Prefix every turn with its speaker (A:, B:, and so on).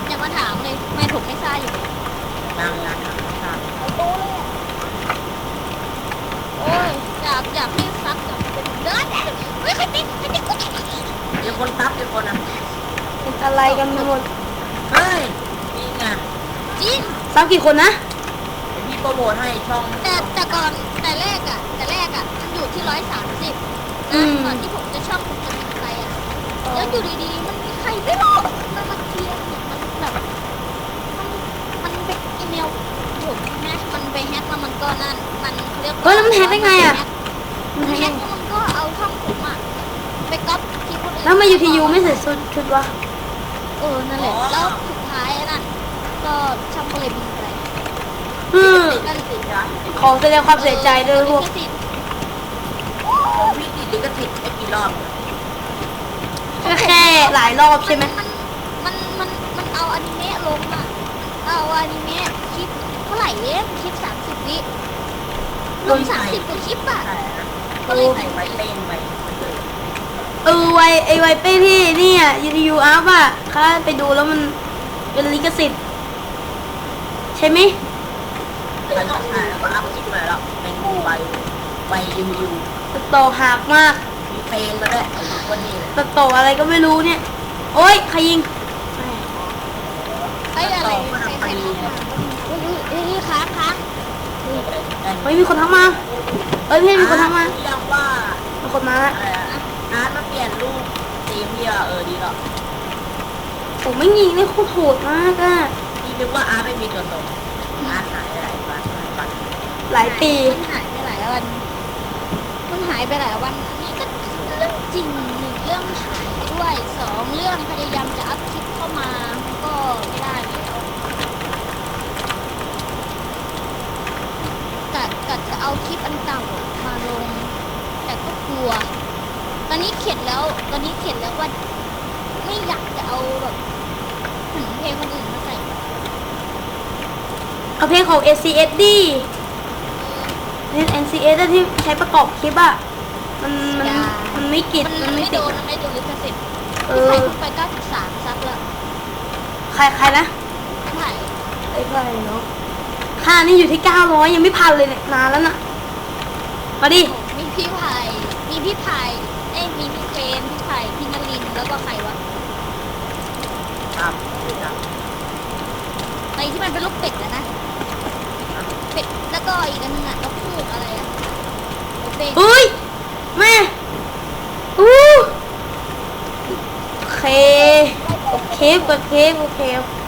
A: ผมจะมาถามเลยทำไมผมไม่ซ่าอยู่
B: ยัง
A: โอ้ยอยากให้ซักกับเป็นเดินเฮ้ยใครตีกู
B: เดี๋ยวคนซับเดี๋ยวคนอ่ะ
C: เป็นอะไรกันหมด
B: เฮ้ยนี่ไง
A: จริง
C: ซ้ำกี่คนนะ
B: เดี๋ยวพี่โปรโมทให้ช่อง
A: แต่ก่อนแต่แรกอ่ะมันอยู่ที่130ก่อนที่ผมจะช่องผมจะมีใครอ่ะแล้วอยู่ดีๆมันมีใครไม่รู้มันมาเคลียร์มันแบบมันไปอีเมลผมแฮกมันไปแฮกแล้วมันก็นั่นมันเรียก
C: เฮ้ยแล้วมันแฮกได้ไงอ่ะ
A: มันแฮกแล้วมันก็เอาช่องผมอ่ะไปก๊อปที่คนอื่น
C: แล้วมาอยู่ที่ยูไม่ใส่ชุดวะ
A: นั่นแหละแล้วสุดท้ายน่ะก็ช่องก็เลยมีอะไร
B: นั่นสิจ๊ะ
C: ขอแสดงความเสียใจด้วยพวก
B: ของพี่ติดลิขสิทธิ์ไอ้กี่รอบ
C: ก็แค่หลายรอบใช่ไหม
A: มันเอาอนิเมะลงอ่ะเอาอนิเมะคลิปเท่าไหร่เองคลิป30 วิลง30 กว่าคลิปอ่ะ
B: ใช่นะ
A: ก็เลย
B: ใส่ไว้เต้นไป
C: ไวเป้ที่นี่อ่ะยูทียูอัพอ่ะข้าไปดูแล้วมันเป็นลิขสิทธิ์ใช่ไหม
B: แล้วก็ถ่ายแล้วก็อัพคลิปมาแล้วเป็นใบยู
C: ตัดต่อหักมาก
B: มีเพลงมาด้วยไอ้คนนี้เลย
C: ตัดต่ออะไรก็ไม่รู้เนี่ย โอ๊ยใครยิง
A: ไอ้อะไรใครค้าง
C: เฮ้ยมีคนทักมาเอ้ยพี่มีคนทักมา
B: เรียกว่า
C: มีคนมาแล้ว
B: อะไรอะอาร์ตมาเปลี่ยนรูปทีมพี่อะดีแล้ว
C: ผมไม่ยิงนี่โคตรโหดมากอ่ะ
B: พี่นึกว่าอาร์ตไม่มีตัวตนอาร์ตหายไปหลายวัน
C: หลายปี
A: มันหายไปหลายวันอันนี้ก็เรื่องจริง1 เรื่องหายด้วย2 เรื่องพยายามจะอัพคลิปเข้ามามันก็ไม่ได้แล้วกัดจะเอาคลิปอันเก่ามาลง แต่ก็กลัว ตอนนี้เข็ดแล้วว่าไม่อยากจะเอาแบบเพลงคนอื่นมาใส่
C: เอาเพลงของ SCS ดิเพลง NCS ที่ใช้ประกอบคลิปอ่ะ มันไม่กิด
A: มันไม่
C: ติ
A: โด
C: ด
A: นมันไม่โดนลิขสิทธิ์
C: เอ
A: พี่
C: อ
A: ไผ่พูดไป93ซับแล้ว
C: ใครนะ
A: พี่ไผ่
C: ไอ้ใครเนาะค่านี่อยู่ที่900ยังไม่พันเลยเนี่ยนานแล้วน่ะ มาดิ
A: มีพี่ไผ่มีพี่ไผ่มีพี่เฟรมพี่ไผ่พี่นลินแล้วก็ใครวะ
B: ครับ
A: ไอที่มันเป็นลูกเป็ดนะเป็ดแล้วก็อีกอันนึงอ่ะนกฮูกอะไรอ่ะเป็ด
C: เฮ้ย แม่อู้โอเคโอเค